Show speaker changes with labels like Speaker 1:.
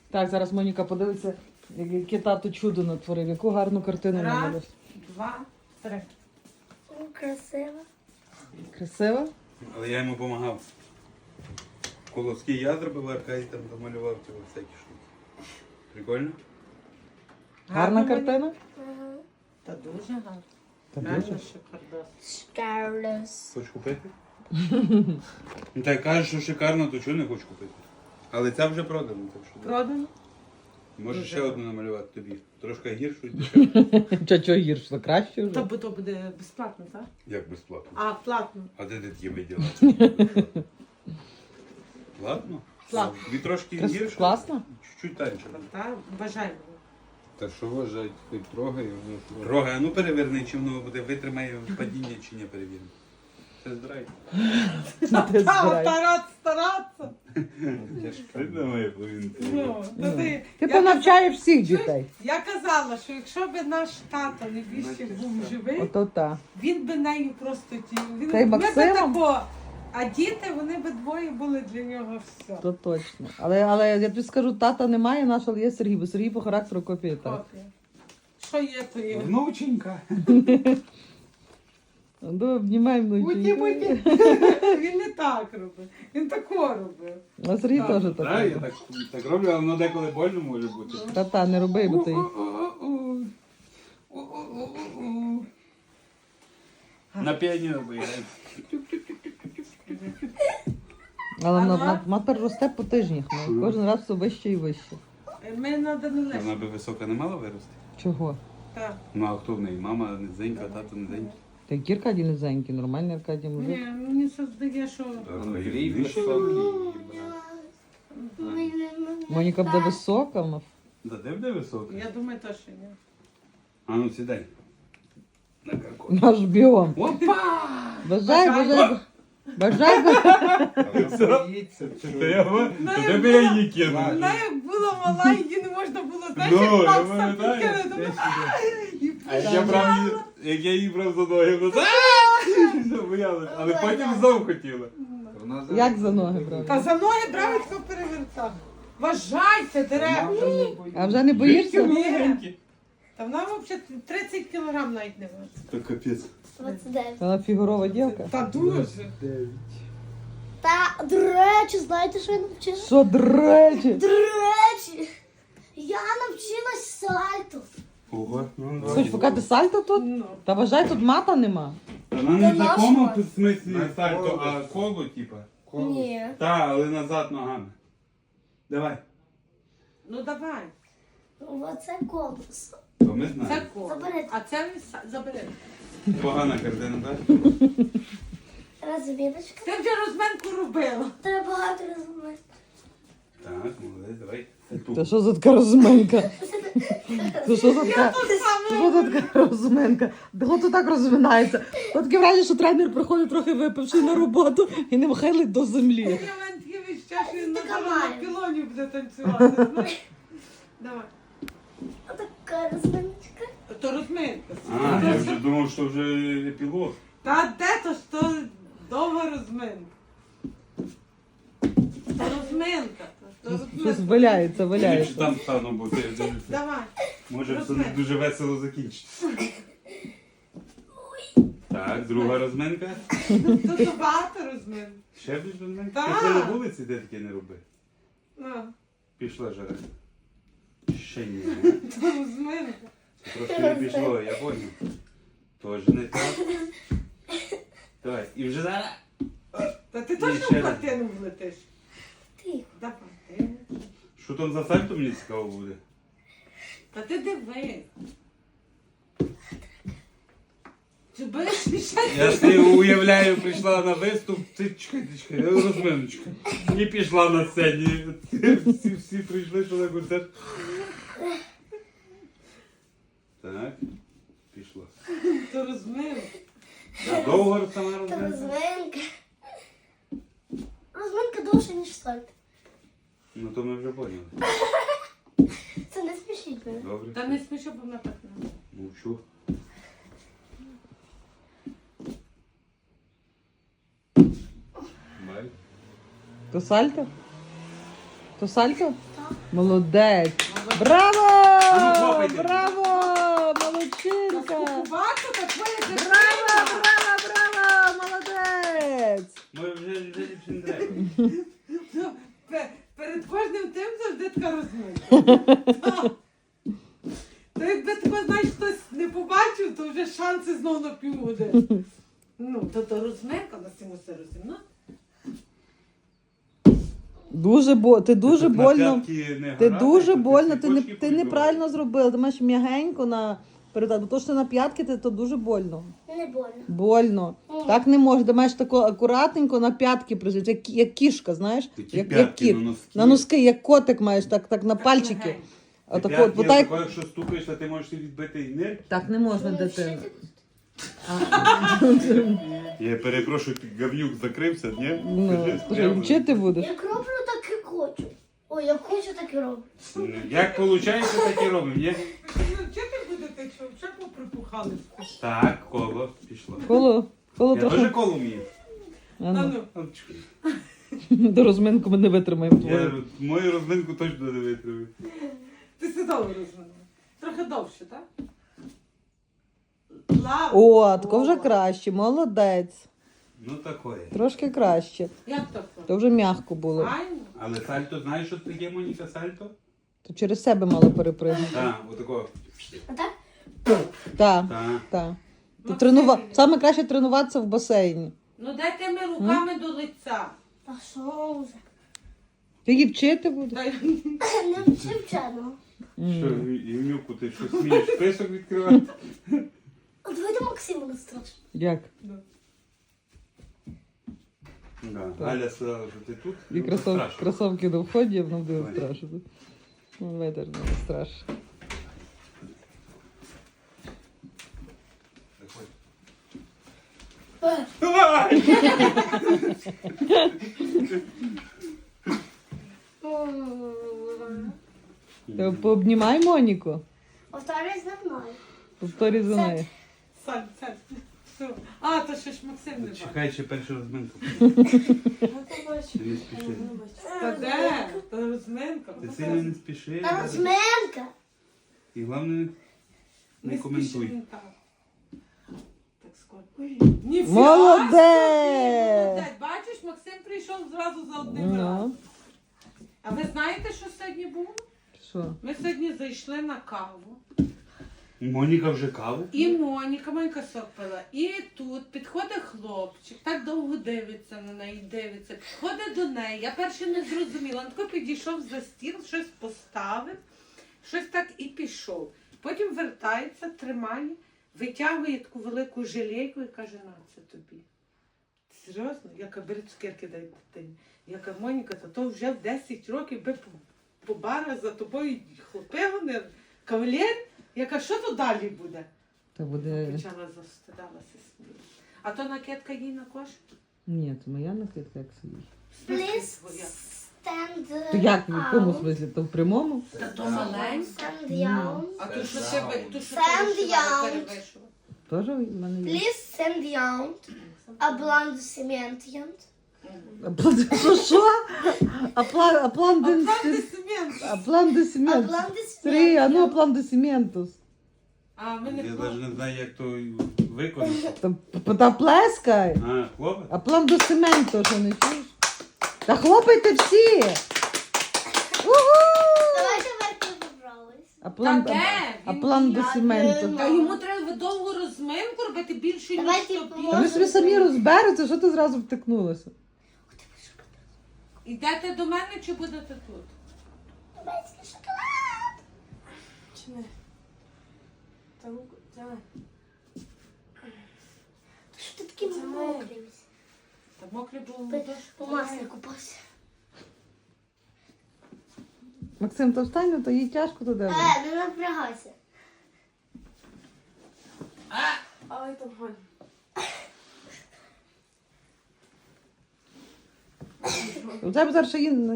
Speaker 1: Так, зараз Моніка подивиться, яке тато чудо натворив, яку гарну картину намалював.
Speaker 2: Раз, два, три.
Speaker 3: Красиво.
Speaker 1: Красиво?
Speaker 4: Але я йому допомагав. Колоски я зробив, Аркадій там замалював цього всякі штуки. Прикольно?
Speaker 1: Гарна
Speaker 2: Гарно,
Speaker 1: картина?
Speaker 3: Ага.
Speaker 2: Та дуже гарно.
Speaker 1: Та
Speaker 2: Реально
Speaker 1: дуже.
Speaker 2: шикардос.
Speaker 3: Шкарлес.
Speaker 4: Хочеш купити? Ну так кажеш, що шикарно, то чого не хочу купити? Але це вже продано, так що.
Speaker 2: Продано?
Speaker 4: Можеш
Speaker 2: Дуже
Speaker 4: ще
Speaker 2: гарно.
Speaker 4: одну намалювати тобі. Трошки гіршу і
Speaker 1: Чого гірше, то краще вже.
Speaker 2: То буде безплатно, так?
Speaker 4: Як безплатно?
Speaker 2: А, платно.
Speaker 4: А де ти такі виділа? Платно?
Speaker 2: Платно.
Speaker 4: Тобі трошки гірше?
Speaker 1: Класно?
Speaker 4: Чуть-чуть танче.
Speaker 2: Так, бажаємо.
Speaker 5: Та що вважають, хоч трогай, воно ж
Speaker 4: Рога, а ну переверни, чи воно буде, витримає падіння чи не перевіримо. Це здрай.
Speaker 1: Ти
Speaker 2: Та,
Speaker 1: збирай.
Speaker 2: старатися.
Speaker 4: Ти думає, повинен.
Speaker 2: Ну, то
Speaker 1: Ти
Speaker 2: я
Speaker 1: понавчаєш всіх дітей.
Speaker 2: Я казала, що якщо б наш тато не більше був живий,
Speaker 1: Ото та.
Speaker 2: він би нею просто він
Speaker 1: Та й
Speaker 2: ми би
Speaker 1: Максимом?
Speaker 2: тако, а діти, вони би двоє були для нього все.
Speaker 1: То точно. Але я тобі скажу, тата немає нашого, але є Сергій, бо Сергій по характеру копіє так.
Speaker 2: Копія. Що є, то є.
Speaker 4: Внученька.
Speaker 1: Ну, обнімай внученьку.
Speaker 2: Він не так робив. Він тако робив.
Speaker 1: А Сергій теж
Speaker 4: Так,
Speaker 1: так.
Speaker 4: я так роблю, але воно деколи больно може бути.
Speaker 1: Та, не роби, бо ти.
Speaker 4: На піаніно виїжджає.
Speaker 1: Але вона переросте по тижнях. Ну, кожен раз все вище і вище.
Speaker 2: Ми на Данилесі.
Speaker 4: Вона би висока не мала вирости?
Speaker 1: Чого?
Speaker 2: Так.
Speaker 4: Ну а хто в неї? Мама низенька, тато низенький.
Speaker 1: Та які Аркадій низенький, нормальний Аркадій мужик.
Speaker 2: Ні, мені це здає, що
Speaker 5: Андрій високий.
Speaker 1: Моніка буде висока, вона.
Speaker 4: Да де буде висока?
Speaker 2: я думаю, то що ні.
Speaker 4: А ну сідай. На каркот.
Speaker 1: Наш біом.
Speaker 4: Опа!
Speaker 1: Бажай.
Speaker 5: Але боїться,
Speaker 4: То я то де би я її кинув?
Speaker 2: Вона як була мала, її не можна було, знаєш,
Speaker 4: Ну,
Speaker 2: як
Speaker 4: я
Speaker 2: Макса
Speaker 4: пам'ятаю.
Speaker 2: підкинути. І
Speaker 4: А як я її брав за ноги, вона боялась, але потім знов хотіла.
Speaker 5: Вона
Speaker 1: Як за ноги брав?
Speaker 2: Та за ноги брав і тако перевертав. Вважайте, директор.
Speaker 1: А вже не боїшся?
Speaker 2: Ні. Та вона взагалі 30 кілограм навіть не важить.
Speaker 4: То капець.
Speaker 3: 29.
Speaker 1: Вона фігурова дівка.
Speaker 2: Та дуже.
Speaker 3: Та, до речі, знаєте, що я навчилась?
Speaker 1: Що, до речі?
Speaker 3: До речі, я навчилась сальто.
Speaker 4: Ого. Ну,
Speaker 1: Хоч поки ти сальто тут?
Speaker 2: Ну.
Speaker 1: Та вважай, тут мата нема.
Speaker 4: Вона не в такому
Speaker 3: нашого.
Speaker 4: смислі
Speaker 5: На
Speaker 4: сальто,
Speaker 5: коло.
Speaker 4: а коло, типа.
Speaker 3: Ні.
Speaker 4: Та, але назад ногами. Давай.
Speaker 2: Ну давай.
Speaker 3: Оце колесо.
Speaker 4: То ми
Speaker 2: Це
Speaker 4: знаємо.
Speaker 2: коло.
Speaker 3: Заберете.
Speaker 2: А це забери.
Speaker 4: Погана картина, так?
Speaker 3: Розміночка.
Speaker 2: Ти вже розменку робила.
Speaker 3: Треба багато розміночок.
Speaker 4: Так, молодець, давай.
Speaker 1: Та що за така розминка? Та що за така? Що за така розминка? Хто так розминається? От таке враження, що тренер приходить трохи випивши на роботу і не хилить до землі.
Speaker 2: Я вам таке відчуття, що він
Speaker 3: Така
Speaker 2: на
Speaker 3: має.
Speaker 2: пілоні буде танцювати. знаєш. Давай.
Speaker 3: Отака розміночка.
Speaker 2: То розминка.
Speaker 4: А, я вже думав, що вже епілог.
Speaker 2: Та де то ж то довга розминка. То розминка. То
Speaker 1: Щось
Speaker 2: розминка.
Speaker 1: валяється,
Speaker 4: Ліпше
Speaker 1: валяється.
Speaker 4: там стану, бо я дивлюся.
Speaker 2: Давай.
Speaker 4: Може все
Speaker 2: Розминка.
Speaker 4: дуже весело закінчиться. Так, друга розминка.
Speaker 2: Тут багато розмин.
Speaker 4: Ще більш розминка.
Speaker 2: Так.
Speaker 4: Пішла на вулиці, де таке не роби.
Speaker 2: Ну,
Speaker 4: Пішла жара. Ще ні.
Speaker 2: то розминка.
Speaker 4: Це трошки не пішло, я поняв. Тож не так. Давай, і вже зараз.
Speaker 2: Та ти
Speaker 4: Ні,
Speaker 2: точно
Speaker 4: ще
Speaker 2: в
Speaker 4: раз.
Speaker 2: картину влетиш?
Speaker 3: Тихо.
Speaker 2: Давай. ти.
Speaker 4: Що там за сальто мені цікаво буде?
Speaker 2: Та ти диви. Чи будеш ще?
Speaker 4: Я собі уявляю, прийшла на виступ, ти чекай, розминочка. І пішла на сцені. Всі прийшли, що на концерт. Так, пішла.
Speaker 2: То розминка.
Speaker 4: А довго сама
Speaker 3: Та
Speaker 4: розминка?
Speaker 3: розминка. Розминка довше, ніж сальто.
Speaker 4: Ну то ми вже поняли.
Speaker 3: Це не смішіть мене.
Speaker 4: Добре.
Speaker 2: Та не смішно, бо вона так не.
Speaker 4: Мовчу. Бай.
Speaker 1: То сальто? То сальто?
Speaker 3: Так.
Speaker 1: Молодець. Браво!
Speaker 4: ну, хлопайте.
Speaker 1: Браво!
Speaker 2: Та
Speaker 1: Молодчинка!
Speaker 2: скупувати, та твоя
Speaker 1: Браво, браво, браво! Молодець!
Speaker 4: Ми вже ліпше не треба.
Speaker 2: Ну, перед кожним тим завжди така розмова. То якби тебе, знаєш, хтось не побачив, то вже шанси знову на півгодини. Ну, то розминка, на цьому все розумно.
Speaker 1: Ти дуже
Speaker 4: Тут на
Speaker 1: больно.
Speaker 4: п'ятки не
Speaker 1: Ти
Speaker 4: грати,
Speaker 1: дуже
Speaker 4: то ти
Speaker 1: больно, ти
Speaker 4: ціпочки
Speaker 1: неправильно зробила. Ти маєш м'ягенько на передати, бо то, що ти на п'ятки, то дуже больно.
Speaker 3: Не больно.
Speaker 1: Больно. Так не можеш. Ти маєш тако акуратненько на п'ятки прижити, як кішка, знаєш?
Speaker 4: Такі
Speaker 1: Як
Speaker 4: п'ятки
Speaker 1: кіт.
Speaker 4: на носки.
Speaker 1: На носки, як котик маєш, так на пальчики.
Speaker 2: легенько.
Speaker 1: Отако,
Speaker 4: П'ятки,
Speaker 1: бо так,
Speaker 4: отако, якщо стукаєш, ти можеш собі відбити і нирки.
Speaker 1: так не можна,
Speaker 3: Ну,
Speaker 1: дитина.
Speaker 3: вчити
Speaker 4: Я перепрошую, говнюк закрився, ні?
Speaker 1: Ну, скажи, вчити будеш?
Speaker 3: Як роблю, так і хочу. Ой, як хочу, так і роблю.
Speaker 4: Як виходить, так і робимо, ні?
Speaker 2: Ну, вчити будете, що вже поприпухали.
Speaker 4: Так, коло пішло.
Speaker 1: Коло
Speaker 4: Я теж
Speaker 1: трохи.
Speaker 4: коло вмію.
Speaker 1: А
Speaker 2: Та
Speaker 1: ну,
Speaker 2: ну.
Speaker 1: до розминку ми не витримаємо
Speaker 4: Я
Speaker 1: твою.
Speaker 4: мою розминку точно не витримаю.
Speaker 2: Ти сідала розминала. Трохи довше, так? Лава.
Speaker 1: О, тако вже краще, молодець.
Speaker 4: Ну такое.
Speaker 1: Трошки краще.
Speaker 2: Як так?
Speaker 1: То вже м'яко було.
Speaker 2: Файно.
Speaker 4: Але сальто, знаєш, що таке, Моніка, сальто?
Speaker 1: То через себе мало перепригнути.
Speaker 4: Так, отако.
Speaker 3: А так?
Speaker 1: Так,
Speaker 4: Так.
Speaker 1: так.
Speaker 2: Максим.
Speaker 1: Саме краще тренуватися в басейні.
Speaker 2: Ну дай тими руками до лиця.
Speaker 3: А що вже?
Speaker 1: Ти її вчити будеш?
Speaker 2: Дай.
Speaker 3: Не вчивчено.
Speaker 4: Що, Євнюку, ти що смієш список відкривати?
Speaker 3: От давайте Максиму не страшно.
Speaker 1: Як?
Speaker 4: Да. Галя сказала, що ти тут.
Speaker 1: І
Speaker 4: Ну, страшно.
Speaker 1: кросовки до вході, воно буде
Speaker 4: Давай.
Speaker 1: страшно. Ну, ветер не страшно.
Speaker 4: Давай!
Speaker 1: Ти пообнімай Моніку.
Speaker 3: Повторюй за мною.
Speaker 1: Повторюй за нею.
Speaker 2: Сань. Все. А, то ще ж Максим не бачить.
Speaker 4: Чекай, ще першу розминку.
Speaker 2: Ну, то бачиш.
Speaker 4: Ти не спіши.
Speaker 2: Та де? Та розминка.
Speaker 4: Ти сильно не спіши.
Speaker 3: Та розминка.
Speaker 4: І головне, не коментуй.
Speaker 2: спіши, так. Так скоро. Ніфіга
Speaker 1: Молодець!
Speaker 2: собі, молодець. Бачиш, Максим прийшов зразу за одним
Speaker 1: Ну,
Speaker 2: разом. А ви знаєте, що сьогодні було?
Speaker 1: що?
Speaker 2: Ми сьогодні зайшли на каву.
Speaker 4: Моніка вже каву?
Speaker 2: І Моніка сок пила. І тут підходить хлопчик, так довго дивиться на неї, дивиться. Підходить до неї. Я перше не зрозуміла. Він тако підійшов за стіл, щось поставив, щось так і пішов. Потім вертається, тримає, витягує таку велику жилейку і каже, на, це тобі. Серйозно? Я кажу, бери цукерки, дай дитині. Я кажу, Моніка, то вже в 10 років би по барах за тобою хлопи гонили. Кавалер? Я кажу, що то далі буде?
Speaker 1: Та буде.
Speaker 2: Почала застидалася сміла. А то накидка їй на кош?
Speaker 1: Ні, це моя накидка, як сидить.
Speaker 3: Please
Speaker 2: Твоя.
Speaker 3: stand
Speaker 1: То як, в якому
Speaker 3: out.
Speaker 1: смислі? То в прямому?
Speaker 2: Та то маленька.
Speaker 3: Stand down.
Speaker 2: А то що ти то що ти
Speaker 3: Сам
Speaker 2: вишивала,
Speaker 3: я.
Speaker 2: перевишила?
Speaker 1: Теж в мене є.
Speaker 3: Please stand down. Ablando
Speaker 1: Що? Апландесиментус.
Speaker 2: Аплодисмент.
Speaker 1: Апландесиментус. Три, а ну апландесиментус.
Speaker 2: А ми не
Speaker 4: Я
Speaker 2: хто?
Speaker 4: навіть не знаю, як то виконати.
Speaker 1: Та плескай.
Speaker 4: А, хлопець?
Speaker 1: Апландесименту, що не чуєш? Та хлопайте всі.
Speaker 3: Давайте верхи побрались.
Speaker 2: Та де?
Speaker 1: Апландесименту.
Speaker 2: Та йому треба довгу розминку робити більше, ніж
Speaker 3: Давайте
Speaker 2: тобі.
Speaker 1: Та ви собі самі розбереться, що ти зразу втикнулася?
Speaker 2: Йдете до мене чи будете тут?
Speaker 3: Турецький шоколад.
Speaker 2: Чи не? Та руку, давай.
Speaker 3: Що ти такий мокрий?
Speaker 2: Та мокре було
Speaker 3: Ти
Speaker 2: дощ.
Speaker 3: у маслі купався.
Speaker 1: Максим, то встань, то їй тяжко туди.
Speaker 3: Не напрягайся.
Speaker 2: Ай, там Галя.
Speaker 1: У тебе зараз ще є